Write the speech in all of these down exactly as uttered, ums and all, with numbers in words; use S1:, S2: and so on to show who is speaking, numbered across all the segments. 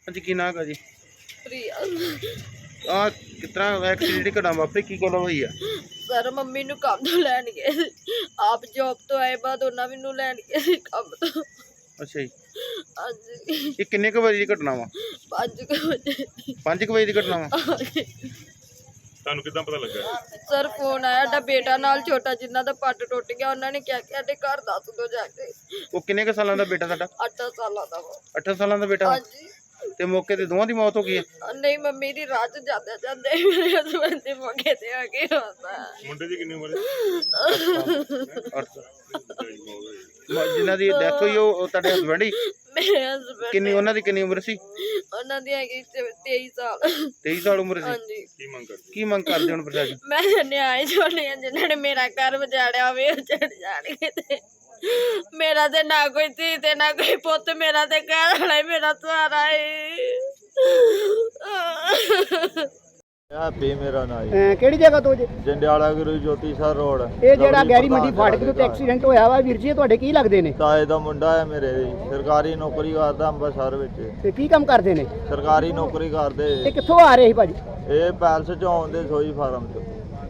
S1: जी की नाम है जी
S2: प्रिया
S1: आ कितना एक्सीडेंट घटना वापरी की गल हुई है
S2: सर मम्मी ਨੂੰ ਕੰਮ ਤੋਂ ਲੈਣ ਗਏ ਸੀ ਆਪ ਜੌਬ ਤੋਂ ਆਏ ਬਾਅਦ ਉਹਨਾਂ ਮੈਨੂੰ ਲੈਣ ਗਏ ਸੀ ਕੰਮ ਤੋਂ।
S1: ਅੱਛਾ ਜੀ
S2: ਹਾਂਜੀ
S1: ਇਹ ਕਿੰਨੇ ਕੁ ਵਜੇ ਦੀ ਘਟਨਾ ਵਾ
S2: ਪੰਜ ਕੁ ਵਜੇ
S1: ਪੰਜ ਕੁ ਵਜੇ ਦੀ ਘਟਨਾ ਵਾ
S3: ਤੁਹਾਨੂੰ ਕਿੱਦਾਂ ਪਤਾ ਲੱਗਾ?
S2: ਸਰ ਫੋਨ ਆਇਆ ਸਾਡਾ ਬੇਟਾ ਨਾਲ ਛੋਟਾ ਜਿੰਨਾ ਦਾ ਪੱਟ ਟੁੱਟ ਗਿਆ ਉਹਨਾਂ ਨੇ ਕਿਹਾ ਕਿ ਸਾਡੇ ਘਰ ਦੱਸ ਦੋ ਜਾ ਕੇ।
S1: ਉਹ ਕਿੰਨੇ ਕੁ ਸਾਲਾਂ ਦਾ ਬੇਟਾ ਤੁਹਾਡਾ?
S2: ਅੱਠ ਸਾਲਾਂ ਦਾ ਵਾ।
S1: ਅੱਠ ਸਾਲਾਂ ਦਾ ਬੇਟਾ
S2: ਹਾਂਜੀ
S1: ਤੇ ਮੌਕੇ ਤੇ ਦੋਵਾਂ ਦੀ ਮੌਤ ਹੋ ਗਈ ਹੈ?
S2: ਨਹੀਂ ਮੰਮੀ ਦੀ ਰਾਤ ਜਾਂਦੇ ਜਾਂਦੇ ਮੇਰੇ ਹਸਬੰਦ ਦੇ ਮੌਕੇ ਤੇ ਆ ਕੇ ਹੁੰਦਾ।
S3: ਮੁੰਡੇ ਦੀ ਕਿੰਨੀ ਉਮਰ ਹੈ?
S1: ਅੱਠ ਜਿਨ੍ਹਾਂ ਦੀ ਡੈਥ ਹੋਈ ਉਹ ਤੁਹਾਡੇ ਹਸਬੰਡ ਹੀ?
S2: ਮੇਰੇ ਹਸਬੰਦ
S1: ਕਿੰਨੀ ਉਹਨਾਂ ਦੀ ਕਿੰਨੀ ਉਮਰ ਸੀ?
S2: ਉਹਨਾਂ ਦੀ ਹੈਗੀ ਤੇਈ ਸਾਲ।
S1: ਤੇਈ ਸਾਲ ਉਮਰ ਸੀ?
S2: ਹਾਂਜੀ
S3: ਕੀ ਮੰਗ ਕਰਦੇ?
S1: ਕੀ ਮੰਗ ਕਰਦੇ ਹੁਣ ਪ੍ਰਸ਼ਾਸਨ?
S2: ਮੈਂ ਨਿਆਏ ਛੋੜੇ ਜਿਨ੍ਹਾਂ ਨੇ ਮੇਰਾ ਘਰ ਵਜਾੜਿਆ ਹੋਵੇ ਉਹ ਚੜ ਜਾਣਗੇ ਤੇ ਮੇਰਾ ਤੇ ਨਾ ਕੋਈ ਧੀ ਤੇ ਨਾ ਕੋਈ ਪੁੱਤ, ਮੇਰਾ ਤੇ ਘਰ ਵਾਲਾ ਹੀ ਮੇਰਾ ਸਹਾਰਾ ਹੈ।
S4: ਹੈਪੀ ਮੇਰਾ ਨਾਂ ਜੀ।
S5: ਅਹ ਕਿਹੜੀ ਜਗ੍ਹਾ ਤੋਂ ਜੇ
S4: ਜੰਡਿਆਲਾ ਗੁਰੂ ਜੋਤੀ ਸਰ ਰੋਡ।
S5: ਇਹ ਜਿਹੜਾ ਗੈਰੀ ਮੰਡੀ ਫਾਟਕ ਦੇ ਉੱਤੇ ਐਕਸੀਡੈਂਟ ਹੋਇਆ ਵਾ ਵੀਰ ਜੀ, ਇਹ ਤੁਹਾਡੇ ਕੀ ਲੱਗਦੇ ਨੇ?
S4: ਤਾਏ ਦਾ ਮੁੰਡਾ ਹੈ ਮੇਰੇ ਜੀ, ਸਰਕਾਰੀ ਨੌਕਰੀ ਕਰਦਾ ਅੰਮ੍ਰਿਤਸਰ ਵਿੱਚ।
S5: ਤੇ ਕੀ ਕੰਮ ਕਰਦੇ ਨੇ?
S4: ਸਰਕਾਰੀ ਨੌਕਰੀ ਕਰਦੇ।
S5: ਇਹ ਕਿੱਥੋਂ ਆ ਰਹੇ ਸੀ ਭਾਜੀ?
S4: ਇਹ ਪੈਲਸ ਚੋਂ ਆਉਂਦੇ ਸੋਈ ਫਾਰਮ ਤੋਂ।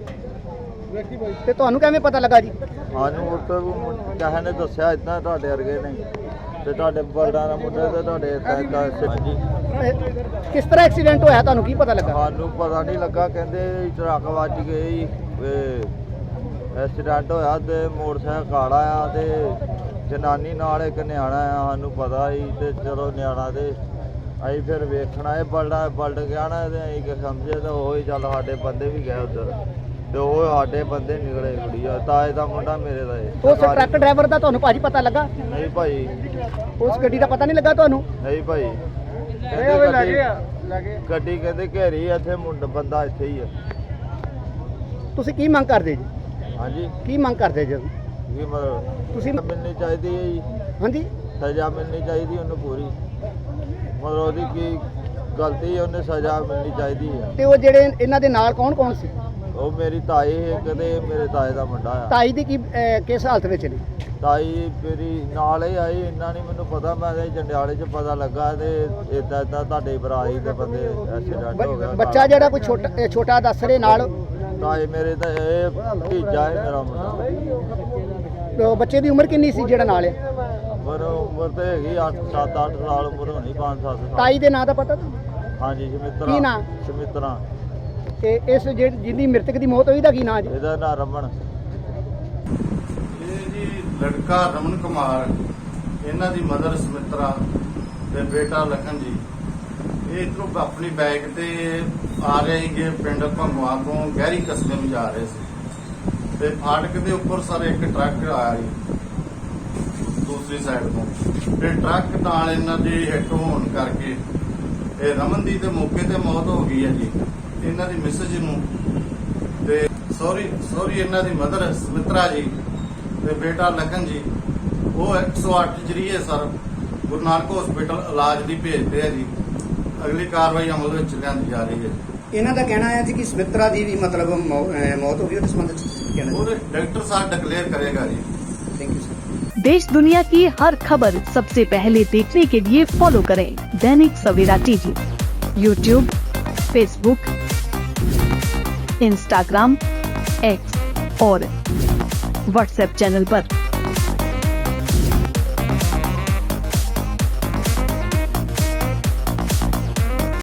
S5: ਤੇ ਤੁਹਾਨੂੰ ਕਿਵੇਂ ਪਤਾ ਲੱਗਾ ਜੀ?
S4: ਸਾਨੂੰ ਉੱਥੇ ਕਿਸੇ ਨੇ ਦੱਸਿਆ ਇਦਾਂ ਤੁਹਾਡੇ ਵਰਗੇ ਨੇ ਤੇ ਤੁਹਾਡੇ ਬਲਦਾਂ ਦਾ ਮੁੰਡਾ ਤੇ ਤੁਹਾਡੇ ਏਦਾਂ ਏਦਾਂ। ਹਾਂਜੀ
S5: ਇਹ ਕਿਸ ਤਰ੍ਹਾਂ ਐਕਸੀਡੈਂਟ ਹੋਇਆ, ਤੁਹਾਨੂੰ ਕੀ ਪਤਾ ਲੱਗਾ?
S4: ਸਾਨੂੰ ਪਤਾ ਨਹੀਂ ਲੱਗਾ, ਕਹਿੰਦੇ ਟਰੱਕ ਵੱਜ ਗਈ, ਐਕਸੀਡੈਂਟ ਹੋਇਆ ਤੇ ਮੋਟਰਸਾਈਕਲ ਕਾਲਾ ਆ ਤੇ ਜਨਾਨੀ ਨਾਲ ਇੱਕ ਨਿਆਣਾ ਆ। ਸਾਨੂੰ ਪਤਾ ਸੀ ਤੇ ਚਲੋ ਨਿਆਣਾ ਤੇ ਅਸੀਂ ਫਿਰ ਵੇਖਣਾ ਇਹ ਬਲਡਾ ਬਲਡ ਗਿਆ ਨਾ ਤੇ ਅਸੀਂ ਕਿ ਸਮਝੇ ਤਾਂ ਉਹ ਹੀ ਚੱਲ ਸਾਡੇ ਬੰਦੇ ਵੀ ਗਏ ਉੱਧਰ ਤੇ ਉਹ ਸਾਡੇ ਬੰਦੇ ਨਿਕਲੇ। ਕੁੜੀਆ ਤਾਏ ਦਾ ਮੁੰਡਾ ਮੇਰੇ ਦਾ ਇਹ।
S5: ਉਸ ਟਰੱਕ ਡਰਾਈਵਰ ਦਾ ਤੁਹਾਨੂੰ ਭਾਜੀ ਪਤਾ ਲੱਗਾ?
S4: ਨਹੀਂ ਭਾਈ,
S5: ਉਸ ਗੱਡੀ ਦਾ ਪਤਾ ਨਹੀਂ ਲੱਗਾ ਤੁਹਾਨੂੰ?
S4: ਨਹੀਂ ਭਾਈ। ਕਹਿੰਦੇ ਗੱਡੀ ਗੱਡੀ ਕਹਿੰਦੇ ਘੇਰੀ ਆ, ਇੱਥੇ ਮੁੰਡਾ ਬੰਦਾ ਇੱਥੇ ਹੀ ਆ।
S5: ਤੁਸੀਂ ਕੀ ਮੰਗ ਕਰਦੇ ਜੀ?
S4: ਹਾਂਜੀ
S5: ਕੀ ਮੰਗ ਕਰਦੇ ਜੀ
S4: ਕੀ ਮਤਲਬ?
S5: ਤੁਸੀਂ?
S4: ਮਿਲਣੀ ਚਾਹੀਦੀ ਹੈ ਜੀ,
S5: ਹਾਂਜੀ
S4: ਸਜ਼ਾ ਮਿਲਣੀ ਚਾਹੀਦੀ ਉਹਨੂੰ ਪੂਰੀ। ਮਤਲਬ ਉਹਦੀ ਕੀ ਗਲਤੀ ਹੈ, ਉਹਨੇ ਸਜ਼ਾ ਮਿਲਣੀ ਚਾਹੀਦੀ ਹੈ।
S5: ਤੇ ਉਹ ਜਿਹੜੇ ਇਹਨਾਂ ਦੇ ਨਾਲ ਕੌਣ ਕੌਣ ਸੀ?
S4: ਉਹ ਮੇਰੀ ਤਾਈ ਹੈ, ਕਦੇ ਮੇਰੇ ਤਾਏ ਦਾ ਮੁੰਡਾ ਆ।
S5: ਤਾਈ ਦੀ ਕੀ ਅਹ, ਕਿਸ ਹਾਲਤ ਵਿੱਚ ਨੇ?
S4: ਤਾਈ ਮੇਰੀ ਨਾਲ ਹੀ ਆਈ, ਇੰਨਾ ਨਹੀਂ ਮੈਨੂੰ ਪਤਾ। ਮੈਂ ਤਾਂ ਜੰਡਿਆਲੇ 'ਚ ਪਤਾ ਲੱਗਾ ਤੇ ਇਦਾਂ ਇਦਾਂ ਤੁਹਾਡੇ ਬਰਾਈ ਦੇ ਬੰਦੇ ਐਕਸੀਡੈਂਟ ਹੋ ਗਿਆ।
S5: ਬੱਚਾ ਜਿਹੜਾ ਕੋਈ ਛੋਟਾ ਅਹ, ਛੋਟਾ ਦੱਸ ਰਹੇ ਨਾਲ?
S4: ਤਾਏ ਮੇਰੇ ਤਾਂ ਇਹ ਭਤੀਜਾ ਹੈ ਮੇਰਾ ਮੁੰਡਾ।
S5: ਤੇ ਉਹ ਬੱਚੇ ਦੀ ਉਮਰ ਕਿੰਨੀ ਸੀ ਜਿਹੜਾ ਨਾਲ ਹੈ?
S4: ਪਰ ਉਮਰ ਤਾਂ ਹੈਗੀ ਅੱਠ ਸੱਤ ਅੱਠ ਸਾਲ ਉਮਰ ਹੋਣੀ, ਪੰਜ ਸੱਤ ਸਾਲ।
S5: ਤਾਈ ਦੇ ਨਾਂ ਦਾ ਪਤਾ ਤੁਹਾਨੂੰ?
S4: ਹਾਂਜੀ ਸਮਿਤਰਾ।
S5: ਕੀ ਨਾਂ?
S4: ਸਮਿਤਰਾ।
S5: ਤੇ ਇਸ ਜਿਹੜੀ ਜਿਹਦੀ ਮ੍ਰਿਤਕ ਦੀ ਮੌਤ ਹੋਈ ਦਾ ਕੀ ਨਾਂ ਜੀ?
S4: ਇਹਦਾ ਨਾਂ ਰਮਨ।
S6: ਇਹ ਜੀ ਲੜਕਾ ਰਮਨ ਕੁਮਾਰ, ਇਹਨਾਂ ਦੀ ਮਦਰ ਸਮਿਤਰਾ ਤੇ ਬੇਟਾ ਲਖਨ ਜੀ, ਇਹ ਇੱਧਰੋਂ ਆਪਣੀ ਬਾਈਕ ਤੇ ਆ ਰਹੇ ਸੀਗੇ ਪਿੰਡ ਭੰਗਵਾ ਤੋਂ ਗਹਿਰੀ ਕਸਬੇ ਨੂੰ ਜਾ ਰਹੇ ਸੀ ਤੇ ਫਾਟਕ ਦੇ ਉੱਪਰ ਸਰ ਇੱਕ ਟਰੱਕ ਆਇਆ ਜੀ ਦੂਸਰੀ ਸਾਈਡ ਤੋਂ ਤੇ ਟਰੱਕ ਨਾਲ ਇਹਨਾਂ ਦੀ ਹਿੱਟ ਹੋਣ ਕਰਕੇ ਇਹ ਰਮਨ ਦੀ ਤੇ ਮੌਕੇ ਤੇ ਮੌਤ ਹੋ ਗਈ ਹੈ ਜੀ। ਇਹਨਾਂ ਦੀ ਮਿਸਜ ਨੂੰ ਤੇ ਸੌਰੀ ਸੌਰੀ ਇਹਨਾਂ ਦੀ ਮਦਰ ਸਮਿਤਰਾ ਜੀ ਤੇ ਬੇਟਾ ਲਖਨ ਜੀ ਉਹ ਇੱਕ ਸੌ ਅੱਠ ਜਰੀਏ ਸਰ ਗੁਰੂ ਨਾਨਕ ਹਸਪੀਟਲ ਇਲਾਜ ਲਈ ਭੇਜਦੇ ਆ ਜੀ। ਅਗਲੀ ਕਾਰਵਾਈ ਅਮਲ ਵਿੱਚ ਲਿਆਂਦੀ ਜਾ ਰਹੀ ਹੈ।
S5: ਇਹਨਾਂ ਦਾ ਕਹਿਣਾ ਹੈ ਜੀ ਕਿ ਸਮਿਤਰਾ ਦੀ ਵੀ ਮਤਲਬ ਮੌਤ ਹੋ ਗਈ, ਉਹਦੇ ਸੰਬੰਧ ਵਿੱਚ ਕਹਿਣਾ
S6: ਉਹਦੇ ਡਾਕਟਰ ਸਾਹਿਬ डिक्लेयर करेगा जी।
S5: Thank you sir.
S7: देश दुनिया की हर खबर सबसे पहले देखने के लिए फॉलो करें Dainik Savera TV, YouTube, Facebook, Instagram, X और व्हाट्सएप चैनल पर।